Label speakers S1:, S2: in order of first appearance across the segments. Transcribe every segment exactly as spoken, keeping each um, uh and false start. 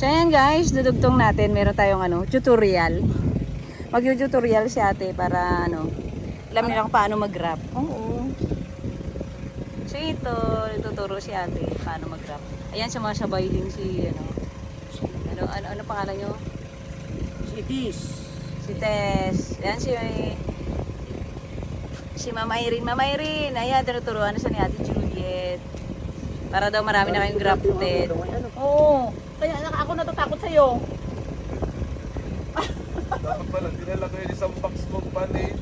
S1: So ayan guys, dudugtong natin. Meron tayong ano, tutorial. Mag-tutorial si ate para ano, alam nilang paano mag-wrap. Oo. So ito, tuturo si ate paano mag-wrap. Ayan, sumasabay din si ano. Ano, ano, ano pangalan nyo?
S2: Si Tis.
S1: Si Tess. Ayan si si Mama Irene. Mama Irene, ayan, tinuturuan na siya ni Ate Juliet. Para daw marami na kayong grafted.
S2: Oo. Kaya anak, ako natatakot sa'yo.
S3: Dapat pala, dinala ko yung isang box mong panit.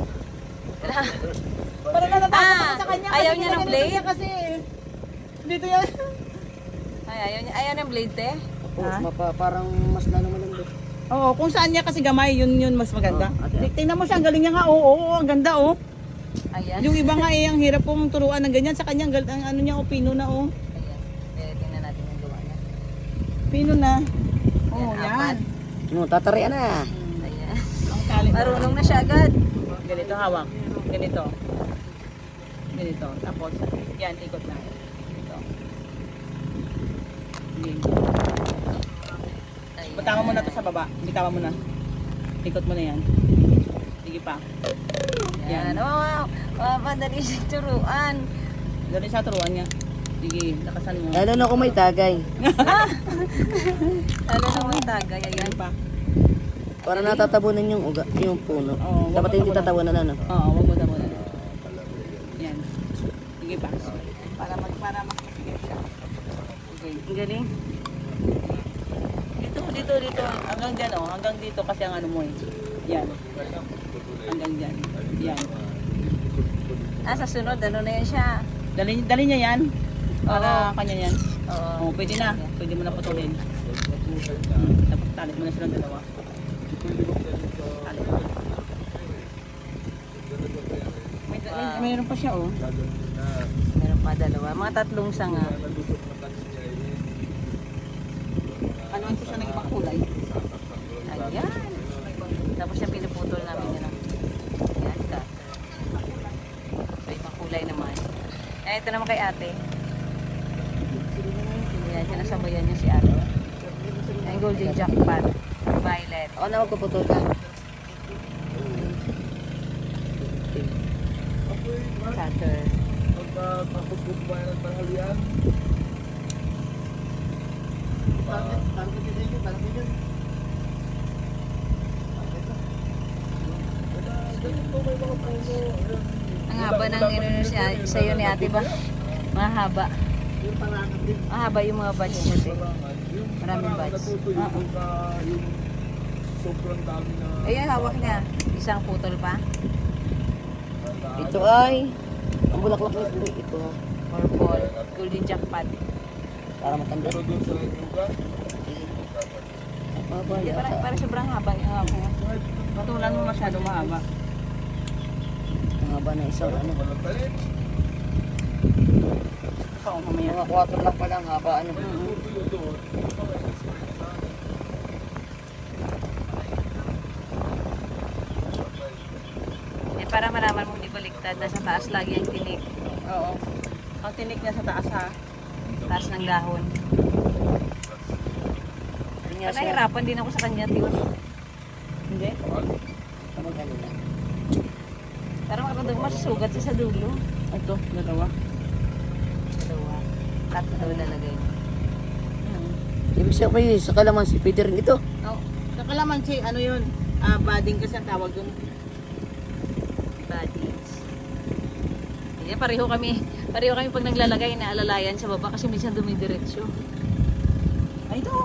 S2: Para natatakot
S1: Ah,
S2: ako sa kanya.
S1: ayaw
S2: kasi
S1: niya ng
S2: ganito
S1: blade?
S2: niya Kasi dito yan.
S1: Ay, ayaw niya, ayaw ng blade te.
S4: Oo,
S2: Ha?
S4: mapa, parang mas lalo malambot.
S2: Oo, kung saan niya kasi gamay, yun yun mas maganda.
S4: Oh, ate.
S2: Tingnan mo siya, ang galing niya nga. Oo, oo, ang ganda oh.
S1: Ayan.
S2: Yung iba nga eh, ang hirap pong turuan ng ganyan. Sa kanya, ang, gal- ang ano niya, oh, pino na oh.
S1: Ayan. Kaya tingnan natin yung gawa niya.
S2: Pino na. Oo,
S1: Yan,
S2: yan.
S1: apat.
S4: No, tatarian na.
S1: Ayan.
S2: Ang tali.
S1: Marunong na siya agad.
S2: Ganito hawak. Ganito. Ganito. Tapos, yan, ikot na. Ito. Sige.
S1: Ayan.
S2: Bitawan mo na to sa baba. Bitawan mo na. Ikot mo na yan. Sige pa.
S1: Yan. Oh, wow. Wow, madali siya turuan.
S2: Dali sa turuan niya. Sige, lakasan mo.
S4: Lalo na kung may tagay.
S1: Lalo naman tagay. Ayan.
S2: Yan pa.
S4: Para natatabunan yung uga, yung puno.
S2: Oo, wag
S4: Dapat
S2: mo
S4: hindi
S2: tabunan.
S4: tatabunan ano.
S2: Oo, wag mo tabunan. Yan. Sige pa. Para mag para makapigil siya. Okay.
S1: Ang galing.
S2: Dito, dito, dito. Hanggang dyan, oh. Hanggang dito kasi ang ano mo eh. Yan. Hanggang dyan. Yan.
S1: Ah, sa sunod, ano na yan siya?
S2: Dali, dali niya yan. Para
S1: Oo.
S2: kanya yan.
S1: Oo.
S2: Oh, pwede na. Pwede mo na putulin. Hmm. Tapos talit mo na silang dalawa. Talit. May, may, mayroon pa siya, oh.
S1: Meron pa dalawa. Mga tatlong sanga.
S2: Ano ito siya ng ibang kulay?
S1: Ayan. Tapos siya pinuputol namin yun. Ayan ka. So, ibang kulay naman. Ayan, ito naman kay ate. Ayan, sinasabayan niya si ate. Ayan, golden jackpot. Violet.
S4: Ako na magpuputol ka.
S1: Cutter.
S3: Pagkatapos ko pa ng tanghalian.
S1: Ang haba ng inunod siya sa'yo ni ate ba? Mahaba. Mahaba yung mga batch niya. te. Maraming batch.
S3: Natutuyo ka yung sobrang dami na
S1: Ayan, hawak niya. Isang putol pa.
S4: Ito ay ang bulaklak nito ito
S1: Purple. Golden jackpot.
S4: para matanda.
S3: pero doon sa lugar.
S4: Baba
S1: Hindi, para,
S4: yata.
S1: para sobrang haba yung hawak niya.
S2: Patulan mo masyado mahaba.
S4: Ang haba na isang ano.
S3: Walang talim.
S2: Ikaw, mamaya.
S4: Mga kwatro lang pala ang haba ano.
S3: Tutuyo doon.
S1: Eh, para malaman mo hindi baliktad. Nasa taas lagi ang tinik.
S2: Oo. Ang tinik niya sa taas ha.
S1: Taas ng dahon.
S4: Ano nga siya?
S1: Nahirapan din ako sa kanya, tiwan.
S2: Hindi?
S4: Ano ganun na?
S1: Parang makaramdam masusugat siya sa dulo.
S2: Ito, dalawa.
S1: Dalawa. Tatlo daw lalagay niya.
S4: Ibig sabihin sa kalamansi pwede rin ito.
S1: Oh,
S2: Sa kalamansi, ano yun? Ah, bading kasi ang tawag yung
S1: bodies. Ayan, pareho kami. Pareho kami pag naglalagay na alalayan sa baba kasi minsan dumidiretso.
S2: Ay, ito.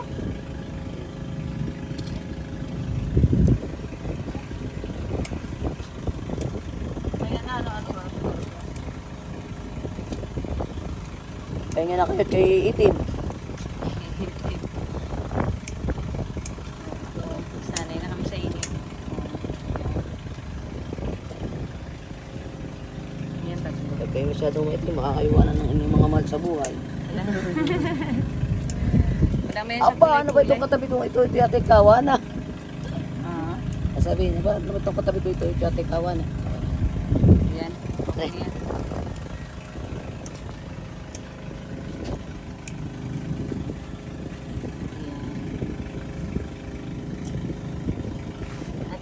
S2: Ayan na, ano, ano, ano.
S4: Kaya nga na kayo kay itim.
S1: Sanay na kami sa init. Ayan, tatlo.
S4: Kaya kayo masyadong itim, makakaiwanan ng inyong mga mahal sa buhay.
S1: Wala. Wala mo yan sa
S4: Aba, ano ba
S1: kulay-kulay.
S4: itong katabi ko? Ito, ito yata kawana.
S2: Ah,
S4: Sabihin, ba, ano ba itong katabi ko? Ito, ito yata kawana.
S1: Ayan. Okay na yan. Ayan.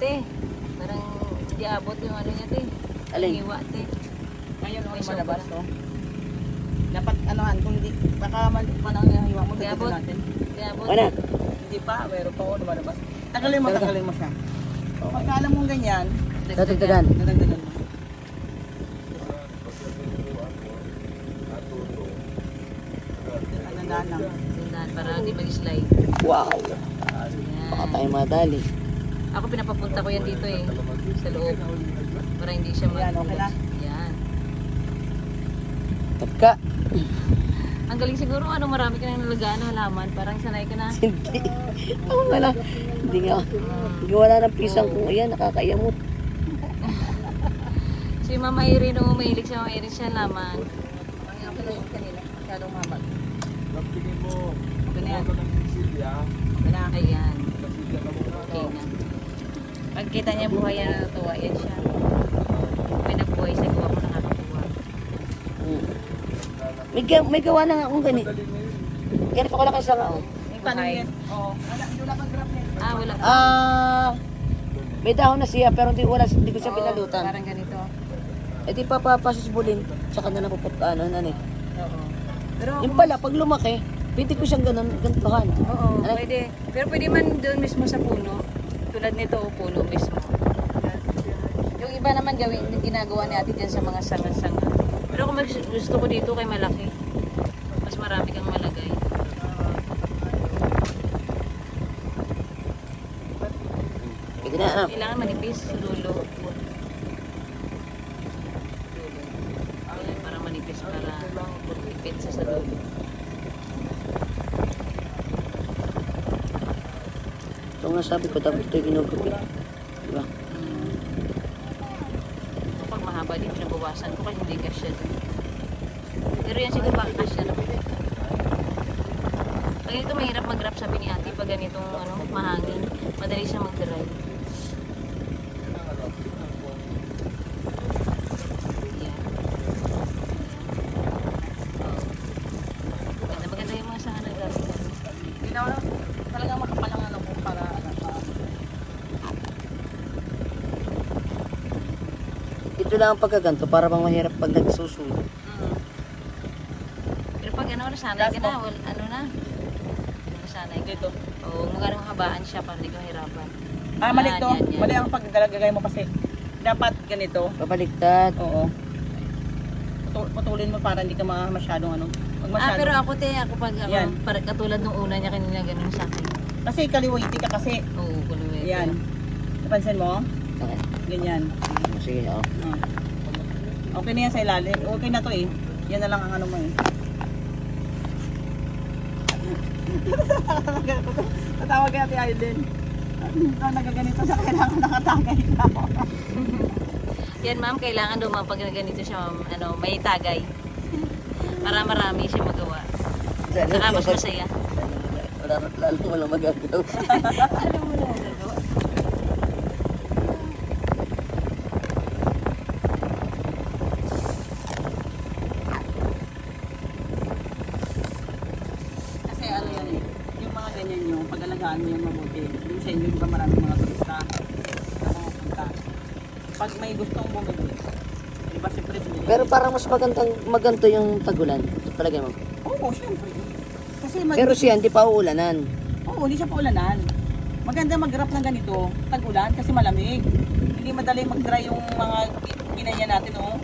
S1: te. Parang hindi abot yung ano niya, te.
S4: Alin?
S1: Hiwa, te.
S2: Ngayon,
S1: May
S2: may malabas,
S1: sobra.
S2: oh. Dapat, anohan, kung hindi, baka mali pa lang yung hiwa mo,
S1: Hindi
S2: dito
S1: abot.
S2: natin.
S1: Hindi abot.
S4: Wala.
S2: Hindi pa, meron pa, oh, lumalabas. Tagalin mo,
S4: Talaga?
S2: tagalin mo siya. Pagka alam mong ganyan,
S4: Dadagdagan.
S2: nadagdagan mo. Anandaan lang.
S1: Tandaan, para hindi mag-slide.
S4: Wow.
S1: Yan.
S4: Baka tayo madali.
S1: Ako pinapapunta ko yan dito eh. Sa loob. Para hindi siya mag-
S2: Yan, okay na?
S1: Yan.
S4: Tagka.
S1: Ang galing siguro, ano, marami ka nang nalagaan na halaman. Parang sanay ka na.
S4: Hindi. Ako wala. Hindi nga. Hindi wala ng pisang kung ayan, nakakayamot.
S1: Si Mama Irene, oh, mahilig siya, mahilig siya halaman.
S2: Ang pala yung kanila, masyadong mabag.
S3: Tingin mo,
S2: Okay na yan.
S3: ito ng Silya,
S2: Okay na.
S1: Ayan.
S3: Silya na muna.
S1: Okay na. Pagkita niya buhay yan, natutuwa yan siya. May nagbuhay sa gawa ko nakakatuwa.
S4: Hmm. May, ga- may gawa na nga akong ganit. Ganito ko lang kasi nga. Oh.
S2: May paano
S1: Buhay.
S2: yan? Oo. Wala, hindi wala pang graph yan.
S1: Ah, wala.
S4: Ah, may dahon na siya pero hindi wala hindi ko siya
S1: Oo,
S4: pinalutan.
S1: Parang ganito.
S4: Eh di papapasusbulin. Tsaka na napuput ano ano eh.
S1: Oo. Pero,
S4: Yung pala pag lumaki, pwede ko siyang ganun gantuhan.
S1: oo,
S4: Ano?
S1: pwede. Pero pwede man doon mismo sa puno. Tulad nito, oh, puno mismo. Yung iba naman gawin, ginagawa ni ate dyan sa mga sanga-sanga. Pero kung mas- gusto ko dito kay malaki, mas marami kang malagay.
S4: Pwede na ano.
S1: Kailangan manipis, lulo. Ayan, para manipis, para ipit sa sa dulo.
S4: Ito nga sabi ko dapat ito ginugupit. Diba?
S1: Mm. Kapag mahaba din, pinabawasan ko kasi hindi kasya dun. Pero yan siguro baka kasya naman. Pag ito mahirap mag-wrap sabi ni ate, pag ganitong ano, mahangin, madali siya mag-dry. Yan. Oh. Maganda, maganda yung mga sanga na gamit.
S2: Hindi na wala. Talagang makapalang ano po para ano pa.
S4: Ito lang ang pagkaganto para bang mahirap pag nagsusulo.
S1: Mm. Pero pag ano, nasanay ka na, wal, ano na. Nasanay ka.
S2: Dito.
S1: Oo, magandang habaan siya para hindi ka mahirapan.
S2: Ah, mali to.
S1: Yan, yan.
S2: Mali ang paggalagay mo kasi. Dapat ganito.
S4: Pabaliktad.
S2: Oo. Putul- Putulin mo para hindi ka ma- masyadong ano. Pag
S1: Ah,
S2: masyadong.
S1: pero ako te, ako pag ako,
S2: Yan.
S1: para, katulad nung una niya kanina ganun sa akin.
S2: Kasi kaliwiti ka kasi.
S1: Oo, kuluwi.
S2: Yan. Napansin mo?
S4: Okay.
S2: Ganyan.
S4: Sige, oh.
S2: Ah. Okay na yan sa ilalim. Okay na to eh. Yan na lang ang ano mo eh. Tatawag kaya si Aiden. Ito nagaganito sa kailangan nakatagay na ako.
S1: Yan ma'am, kailangan daw ma'am pag ganito siya ma'am, ano, may tagay. Para marami siya magawa. Saka mas masaya.
S4: Wala lalo walang magagawa.
S1: Alam mo na magagawa.
S2: Kasi ano yan eh. Yung mga ganyan nyo, pag-alagaan mo yung mabuti. Yung sa inyo, di ba maraming mga turista na pumunta. Pag may gustong bumili, di ba siyempre binili.
S4: Pero parang mas magandang maganto yung tagulan. Palagay mo.
S2: Oo, siyempre. Kasi mag-
S4: Pero siya hindi pa uulanan.
S2: Oo, hindi siya paulanan. Maganda mag-wrap ng ganito, tag-ulan kasi malamig. Hindi madali mag-dry yung mga ginanya natin, oh.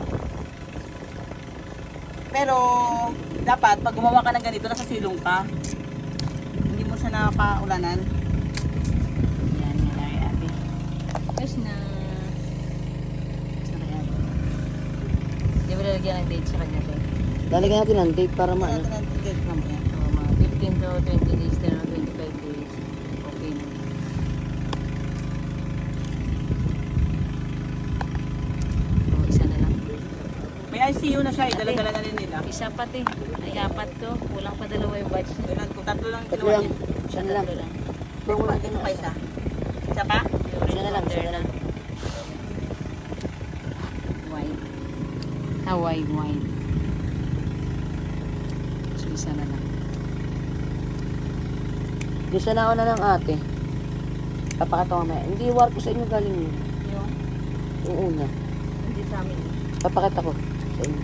S2: Pero dapat pag gumawa ka ng ganito, nasa silong ka. Hindi mo siya napaulanan.
S1: Yan, yan ay ate. Yes na. Yes na kaya. Di ba lalagyan ng date sa kanya to?
S4: Lalagyan natin ng date para
S2: Ano
S4: maano.
S2: natin ang date mamaya?
S1: Oo, mga fifteen to twenty days, ten to twenty-five days. Okay na. Oo, isa na lang.
S2: May I C U na siya, eh. Dala-dala na rin nila.
S1: Isa pa te. Ay, apat to. Kulang pa dalawa yung batch na.
S2: Kailan ko tatlo lang
S4: Tatlo
S2: kinuha
S4: lang.
S2: niya.
S4: Siya na lang.
S1: Tatlo lang.
S2: Dito pa, dito pa isa. Isa pa?
S4: Siya na lang, siya na lang.
S1: Wine. Hawaii wine. So, isa na lang.
S4: Gusto na ako na ng ate. Papakita ko mamaya. Hindi, war ko sa inyo galing yun.
S2: Yung,
S4: Yung una.
S2: hindi sa amin.
S4: Papakita ko sa inyo.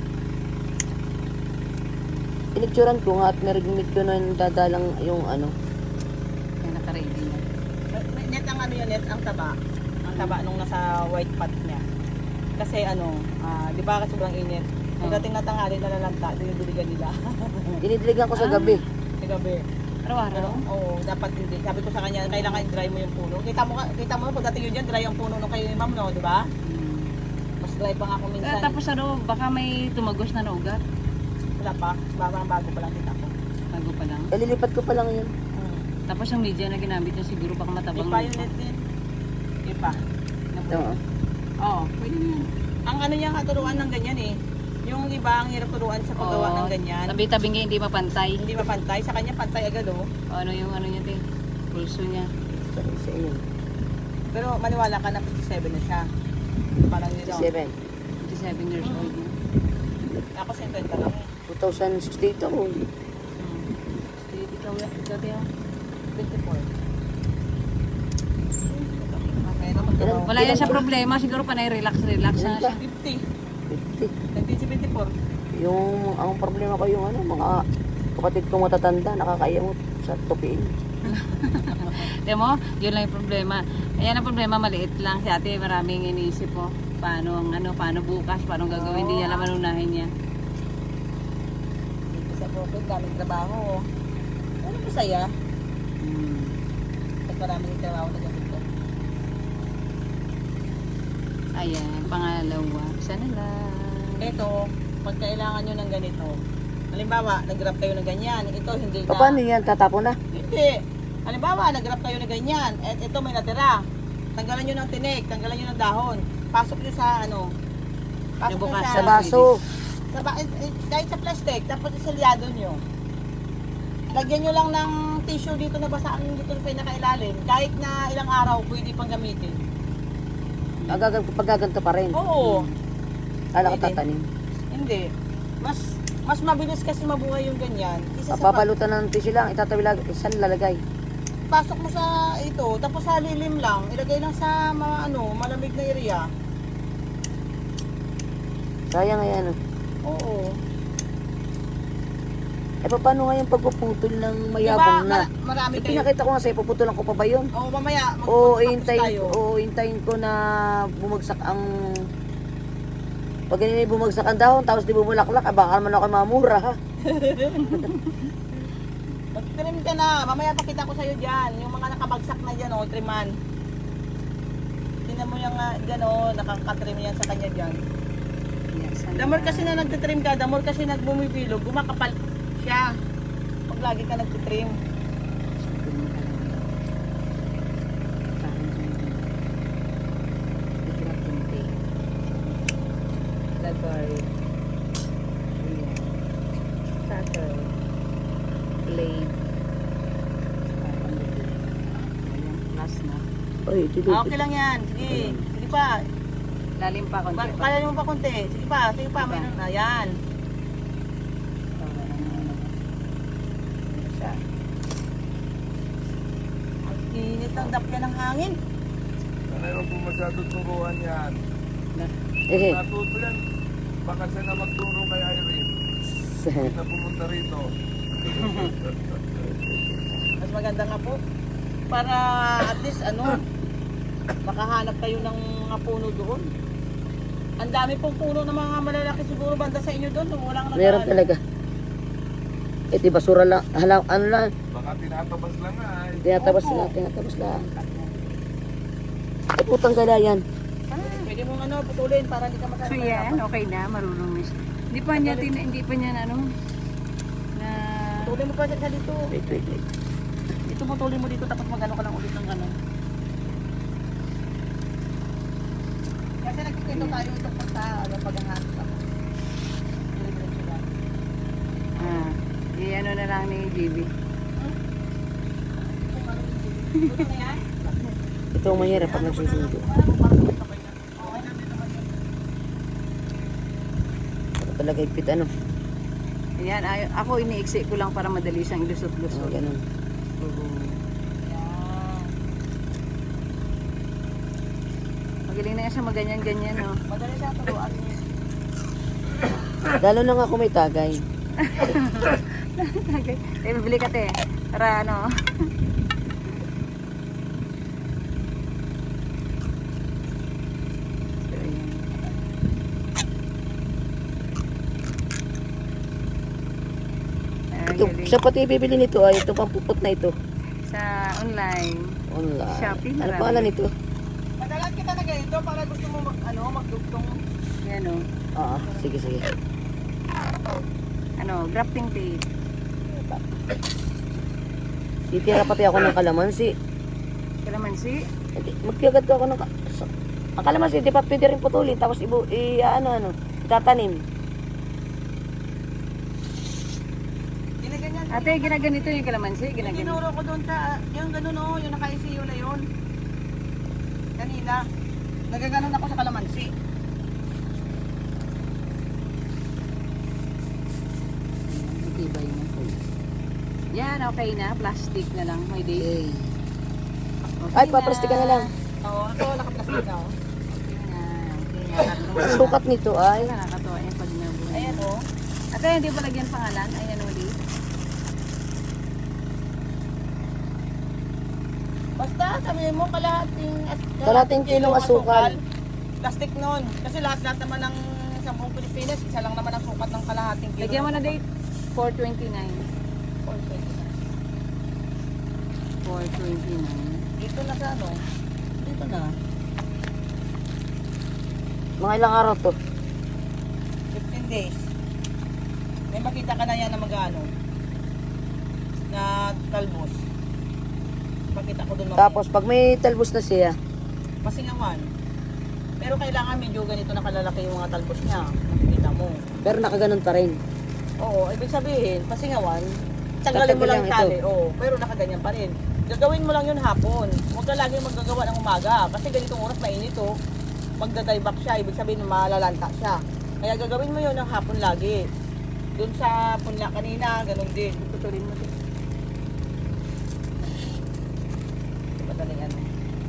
S4: Pinicturan ko nga at narinig ko na dadalang yung ano.
S1: Kaya naka-ready na.
S2: Net ang ano yun, net ang taba. Ang taba nung nasa white pot niya. Kasi ano, ah, di ba sobrang init. Pagdating na tanghali na lalanta, dinidiligan nila.
S4: Dinidiligan ko sa gabi.
S2: Sa gabi. Pero,
S1: Araw-araw?
S2: oo, dapat hindi. Sabi ko sa kanya, kailangan i-dry mo yung puno. Kita mo, ka- kita mo, pagdating yun dyan, dry yung puno nung kayo ni ma'am, no, di ba?
S1: Hmm.
S2: Mas dry pa nga ako
S1: Ah,
S2: minsan.
S1: tapos ano, baka may tumagos na na ugat.
S2: Wala pa, bago, bago pa lang kita ko.
S1: Bago pa lang.
S4: Kalilipat ko pa lang yun.
S2: Hmm.
S1: Tapos yung media na ginamit niya siguro baka matabang.
S2: Ipa yung net din. Ipa.
S4: Ito. oh.
S2: Oo, pwede na yan. Ang ano niya katuruan ng ganyan eh. Yung iba, ang hirap turuan sa paggawa
S1: Oo.
S2: ng ganyan.
S1: Tabi-tabi niya hindi mapantay.
S2: Hindi mapantay. Sa kanya, pantay agad oh.
S1: O, ano yung ano niya, te? Pulso niya.
S4: Sa sa inyo.
S2: Pero maniwala ka na fifty-seven na siya. Parang nito.
S4: fifty-seven.
S1: fifty-seven years old na.
S2: Ako fifty lang eh.
S4: two thousand sixteen ito. oh.
S1: Hmm. Sige, ikaw, gabi ah.
S2: twenty-four. Okay, naman
S4: Ilan?
S1: Wala yan siya problema, siguro panay relax-relax na siya.
S2: fifty.
S4: fifty.
S2: nineteen seventy-four.
S4: Yung, ang problema ko yung ano, mga kapatid ko matatanda, nakakayamot sa tupiin.
S1: Tiyan mo, yun lang yung problema. Ayan ang problema, maliit lang. Si ate, maraming iniisip po. Paano, ang ano, paano bukas, paano gagawin, hindi niya alam anong unahin niya.
S2: Dito sa profit, daming trabaho. Ano masaya?
S1: Hmm.
S2: At maraming trabaho na ganito.
S1: Ayan, pangalawa. Isa na lang.
S2: Ito, pag kailangan nyo ng ganito, halimbawa, nag-grab kayo ng ganyan, ito hindi na.
S4: Paano yan? Tatapo na?
S2: Hindi. Halimbawa, nag-grab kayo ng ganyan, at ito may natira. Tanggalan nyo ng tinik, tanggalan nyo ng dahon. Pasok nyo sa ano, pasok nyo
S1: Nabukas
S2: sa,
S4: Sa baso.
S2: sa ba- eh, eh, kahit sa plastic, tapos isalyado nyo. Lagyan nyo lang ng tissue dito na basaan dito na pinakailalim. Kahit na ilang araw, pwede pang gamitin.
S4: Agagan, paggaganto pa rin.
S2: Oo.
S4: Kala ko
S2: Pwede.
S4: tatanim.
S2: Hindi. Mas mas mabilis kasi mabuhay yung ganyan. Isa sa pa-
S4: Papalutan ng tissue lang, itatabi lang, saan lalagay?
S2: pasok mo sa ito, tapos sa lilim lang, ilagay lang sa mga ano, malamig na area.
S4: Sayang nga yan. oh.
S2: Oo.
S4: Eh, paano nga yung pagpuputol ng
S2: Diba,
S4: mayabang na?
S2: ma- marami
S4: Eh,
S2: kayo.
S4: pinakita ko nga sa'yo, puputulan ko pa ba yun?
S2: Oo, mamaya, mag-
S4: O
S2: mag-focus
S4: hintayin,
S2: tayo.
S4: o hintayin ko na bumagsak ang... Pag ganyan bumagsak ang dahon, tapos di bumulaklak, ah, baka naman ako mamura, ha?
S2: Mag-trim ka na, mamaya pakita ko sa'yo dyan, yung mga nakabagsak na dyan, o, triman. Tingnan mo yung uh, dyan, o, nakakatrim yan sa kanya dyan.
S1: Yes, ano
S2: The more
S1: na.
S2: kasi na nagtitrim ka, the more kasi nagbumibilog, gumakapal siya. Pag lagi ka nagtitrim.
S1: Lagari. Ayan. Cutter. Blade. Ayan, last na.
S4: Oy, dito.
S2: Ah, okay lang yan, sige. Sige pa,
S1: Lalim pa konti
S2: Ba-
S1: pa.
S2: kaya mo pa konti. Sige pa, sige pa, mayroon na. Yan. Ang init ng dapya ng hangin.
S3: Sanay wag mo masyado turuan yan.
S4: Eh,
S3: Natuto yan. Baka siya na magturo kay Irene. Na pumunta rito.
S2: Mas maganda nga po. Para at least ano, makahanap kayo ng mga puno doon. Ang dami pong puno ng mga malalaki siguro banda sa inyo doon. Walang nag-
S4: meron talaga. Eh, di basura lang. Hala, ano lang.
S3: Baka tinatabas lang nga. eh.
S4: Tinatabas
S2: Opo.
S4: lang, tinatabas lang. Eh, putang gala yan.
S2: Ah, pwede mong ano, putulin para hindi ka
S1: So
S2: masyadong
S1: yan,
S2: mahirapan.
S1: okay na, marunong na siya. Hindi pa niya, tin, hindi pa niya na ano, na...
S2: Putulin mo pa sa dito.
S4: Wait, wait, wait.
S2: Ito putulin mo dito tapos magano ka lang ulit ng ano. Kasi nagkikwento tayo tungkol sa ano, paghahanap ako. Diretso lang.
S1: Ah, i-ano na lang ni J B.
S2: Kung ano yung dito na yan.
S4: Ito ang mahirap pag nagsusundo.
S2: Alam mo, parang sabay na. Okay na, dito naman yun.
S4: Ito talaga ipit ano.
S1: Ayan, ay, ako iniiksi ko lang para madali siyang
S4: Ano,
S1: ilusot-lusot.
S4: ganun.
S1: Oo.
S2: Yan.
S1: Magaling na nga siya maganyan-ganyan, no?
S2: Madali siya turuan.
S4: Lalo na nga kung may tagay.
S1: Okay. Eh, bibili ka, te. Para ano. So, ayan. Ah,
S4: Ito,
S1: galing.
S4: siya pati bibili nito ay ito pang pupot na ito.
S1: Sa online.
S4: Online.
S1: Shopee,
S4: Ano
S1: marami.
S4: pangalan nito?
S2: Madalas kita na ganito para gusto mo mag, ano, magdugtong.
S1: Yan, o.
S4: Ah, sige sige.
S1: Ano, grafting tape.
S4: Titira pati ako ng kalamansi.
S1: Kalamansi.
S4: Hindi, magpiyagad ko ako ng ka- sa- ang kalamansi, di pa pwede rin putulin tapos ibu, i, ano ano, itatanim.
S2: Ginaganyan.
S1: Ate, ginaganito yung kalamansi.
S2: Yung
S1: Ginaganito.
S2: tinuro ko doon sa, yung ganun o, yung naka-I C U na yun. Kanina. Nagaganon ako sa kalamansi.
S1: Matibay na. Yan, okay na. Plastic na lang. May date.
S4: Okay.
S1: Okay
S4: Ay, paplastikan na lang.
S2: Oo, ito nakaplastic na o.
S1: Okay na. Okay na.
S4: Ang sukat nito ay
S1: Nakakatawa yung pag nabuhay.
S2: Ayan o.
S1: Ate, hindi pa lagyan pangalan. Ayan ulit.
S2: Basta sabihin mo kalahating, as-
S4: Kalahating kilong asukal.
S2: Plastic nun. Kasi lahat-lahat naman ng sa buong Pilipinas, isa lang naman ang sukat ng kalahating kilo.
S1: Lagyan mo na date. four twenty-nine. four twenty-nine.
S2: Dito na sa ano? Dito na.
S4: mga ilang araw to.
S2: fifteen days. May makita ka na yan na mag-ano. Na talbos. Pakita ko doon.
S4: Tapos pag may talbos na siya,
S2: Masingawan. Pero kailangan medyo ganito na kalalaki yung mga talbos niya. Nakikita mo.
S4: pero nakaganon pa rin.
S2: Oo, ibig sabihin, pasingawan, tanggalin mo
S4: Tatabi
S2: lang
S4: lang
S2: yung
S4: ito.
S2: tali. Oo, pero nakaganyan pa rin. Gagawin mo lang yun hapon. Huwag ka lagi magagawa ng umaga. Kasi ganitong oras mainit oh. Magda-dieback siya, ibig sabihin malalanta siya. Kaya gagawin mo yun ng hapon lagi. Doon sa punla kanina, ganun din.
S1: Tutulin mo din.
S2: Madaling ano.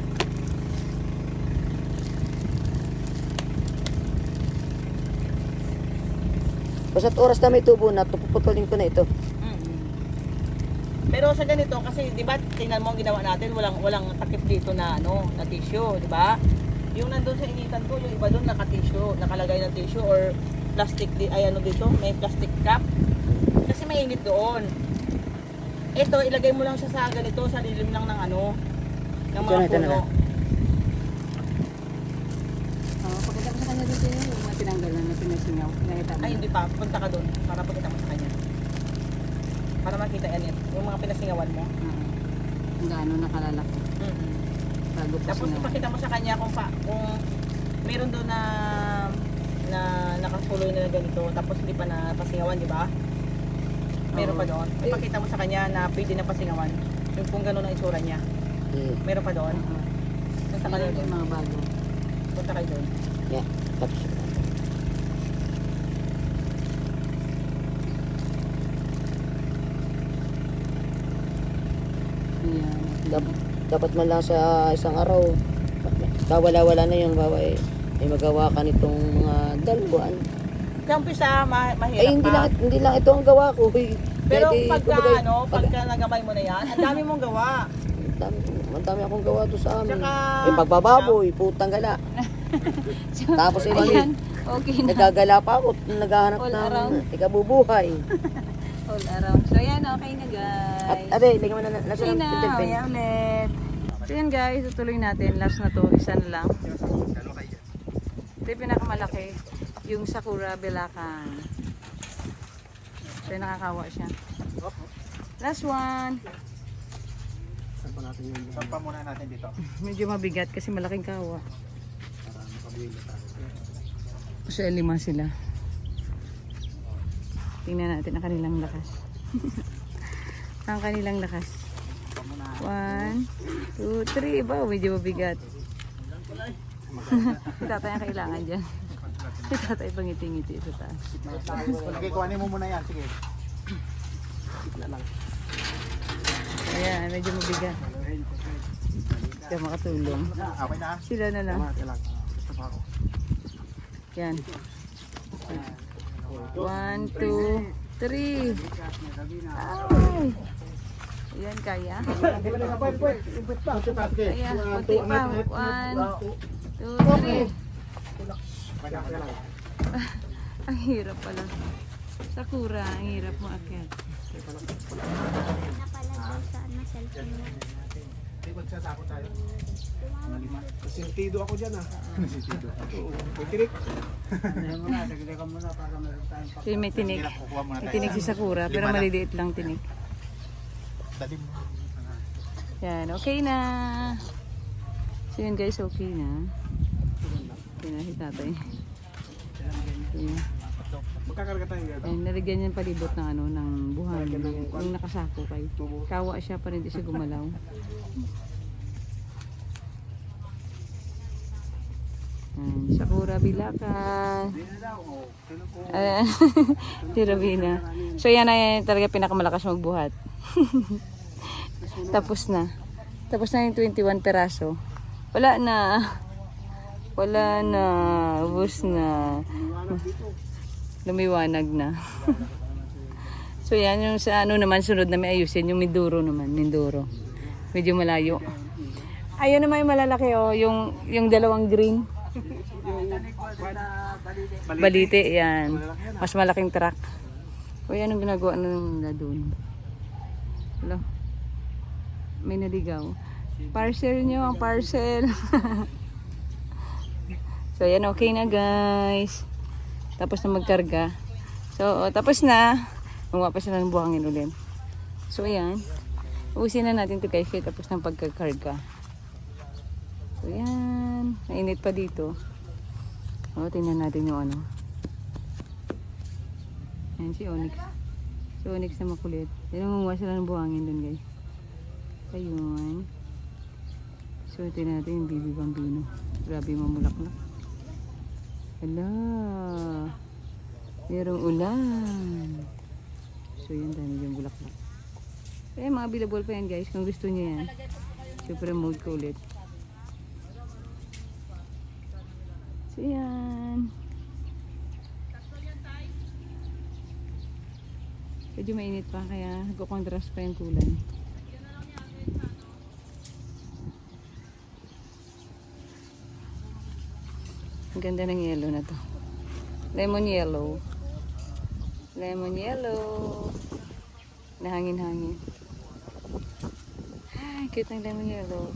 S4: Basta oras na may tubo na, puputulin ko na ito.
S2: Pero sa ganito kasi 'di ba tingnan mo ang ginawa natin, walang walang takip dito na ano, na tissue, 'di ba? Yung nandoon sa initan ko, yung iba doon naka-tissue, nakalagay na tissue or plastic di ay ano dito, may plastic cap. Kasi mainit doon. Ito ilagay mo lang siya sa ganito, sa lilim lang ng ano, ng mga
S4: Ito na, ito na
S2: puno.
S4: na.
S1: Oh, pagkita ko sa kanya dito yun, yung mga tinanggal na na pinasingaw. Nakita mo.
S2: Ay hindi pa, punta ka doon para pakita mo sa kanya. Para makita yan, yung mga pinasingawan mo.
S1: Ah, kung gaano nakalalaki.
S2: Mm-hmm.
S1: Bago pa
S2: Tapos
S1: singaw.
S2: ipakita mo sa kanya kung pa, kung meron doon na na nakasuloy na ganito tapos hindi pa na pasingawan, di ba? Meron
S1: Oo.
S2: pa doon. Ipakita mo sa kanya na pwede na pasingawan. Yung kung gano'n ang itsura niya.
S4: Eh,
S2: Meron pa doon.
S1: Oo.
S2: Punta ka
S1: Meron
S2: doon.
S1: yung mga bago.
S2: Punta kayo doon.
S4: yeah. Tapos,
S1: Ayan.
S4: dap- dapat man lang sa isang araw, kawala-wala na yung bawa eh. May magawa ka nitong mga dalawaan.
S2: Kaya umpisa, ma mahirap
S4: Ay, hindi
S2: pa.
S4: lang, hindi lang ito ang gawa ko. eh.
S2: Pero
S4: Pwede,
S2: pagka,
S4: kumbaga,
S2: ano,
S4: pag-
S2: pagka nagamay mo na yan, ang dami mong gawa.
S4: Ang dami, ang dami akong gawa to sa amin.
S2: Tsaka-
S4: Yung pagbababoy, putang gala. Tapos eh,
S1: Ayan. Okay na.
S4: nagagala pa ako, naghahanap
S1: All
S4: ng
S1: around.
S4: ikabubuhay.
S1: All around. So, yan. Okay na, guys.
S4: At abe, lagyan mo na na
S1: Okay na. Mamaya ulit. So, yan, guys. Tutuloy natin. Last na to. Isa na lang. Ito yung pinakamalaki. Yung Sakura Belacan. So, yung nakakawa siya. Last one.
S3: Sampa muna natin dito.
S1: Medyo mabigat kasi malaking kawa. So, lima sila. Tingnan natin ang kanilang lakas. Ang kanilang lakas. One, two, three. Ba, medyo mabigat. Si tatay ang kailangan dyan. Si tatay pangiti-ngiti sa taas.
S3: Sige, kuhanin mo muna yan. Sige.
S1: Ayan, medyo mabigat. Hindi makatulong.
S3: Okay na.
S1: Sila na lang.
S3: Okay lang.
S1: Yan. One, two, three. Ay. Ayan, kaya. Ayan, puti pa. One, two, three. Ang hirap pala. Sakura, ang hirap mo akyat.
S3: Sintido ako dyan ah. Sintido. Oo. May tirik.
S1: So, may tinig. May tinig si Sakura, pero maliliit lang tinig. Yan, okay na. So yun guys, okay na. Okay na si tatay. Ayan.
S3: Magkakarga tayo yan.
S1: Ayan, nalagyan niya palibot ng ano, ng buhangin. Yung nakasako kay. Kawa siya pa rin, di siya gumalaw. Ayan, Sakura Bilakan. Ayan, Tirabina. So yan ay talaga pinakamalakas magbuhat. Tapos na. Tapos na yung twenty-one peraso. Wala na. Wala na. Ubus na. Lumiwanag na. So yan yung sa ano naman sunod na may ayusin. Yung Mindoro naman. Mindoro. Medyo malayo. Ayun naman yung malalaki oh. Yung, yung dalawang green. Balite. Yan. Mas malaking truck. O yan ang ginagawa na doon. Hello. May naligaw. Parcel nyo ang parcel. So yan, okay na guys. Tapos na magkarga. So oh, tapos na. Gumawa pa sila ng buhangin ulit. So yan. Ubusin na natin ito guys. Tapos ng pagkakarga. So yan. Mainit pa dito. O tingnan natin yung ano. Yan si Onyx. Si Onyx na makulit. Yan ang gumawa sila ng buhangin dun guys. Ayun. So tingnan natin yung Bibi Bambino. Grabe mamulaklak. Hala. Merong ulan. So yan, dami yung bulaklak. Kaya mga available pa yan guys. Kung gusto nyo yan. Super mode ko ulit. So yan. Medyo mainit pa kaya nagko-contrast pa yung kulay. Ang ganda ng yellow na to. Lemon yellow. Lemon yellow. Nahangin-hangin. Ay, cute ng lemon yellow.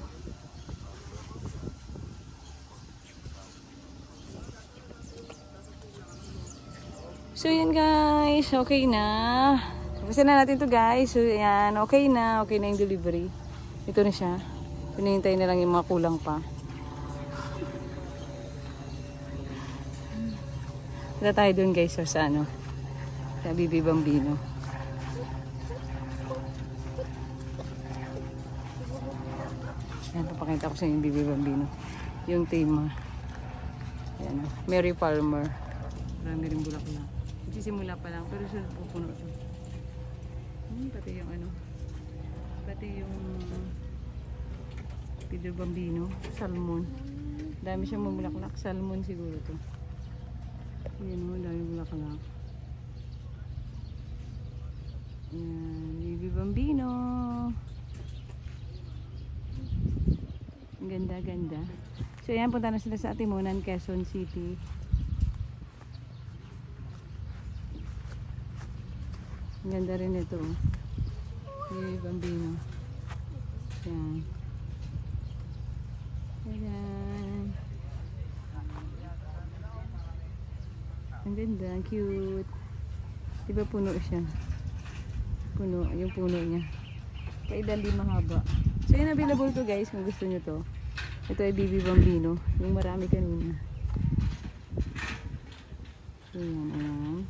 S1: So yan guys, okay na. Tapusin na natin to guys. So yan, okay na. Okay na yung delivery. Ito na siya. Pinihintay na lang yung mga kulang pa. Punta tayo dun guys so, sa ano. Sa Bibi Bambino. Yan, papakita ko sa inyo yung Bibi Bambino. Yung tema. Yan, Mary Palmer. Marami rin bulaklak. Nagsisimula pa lang, pero sunod pupuno ito. Hmm, pati yung ano, pati yung Bibi Bambino, salmon. Dami siyang mamulaklak, salmon siguro to. Ayan o, dami bulaklak. Ayan, Bibi Bambino. Ang ganda-ganda. So ayan, punta na sila sa Atimunan, Quezon City. Ang ganda rin ito. Bibi Bambino. Ayan. Ayan. Ang ganda, ang cute. Diba puno siya? Puno, yung puno niya. Kaidali mahaba. So yun, available to guys kung gusto nyo to. Ito ay Bibi Bambino. Yung marami kanina. Ayan, ayan.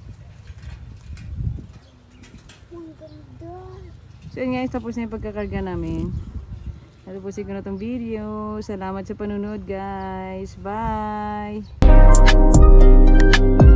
S1: So yun guys, tapos na yung pagkakarga namin. Natapusin ko na itong video. Salamat sa panunod guys. Bye!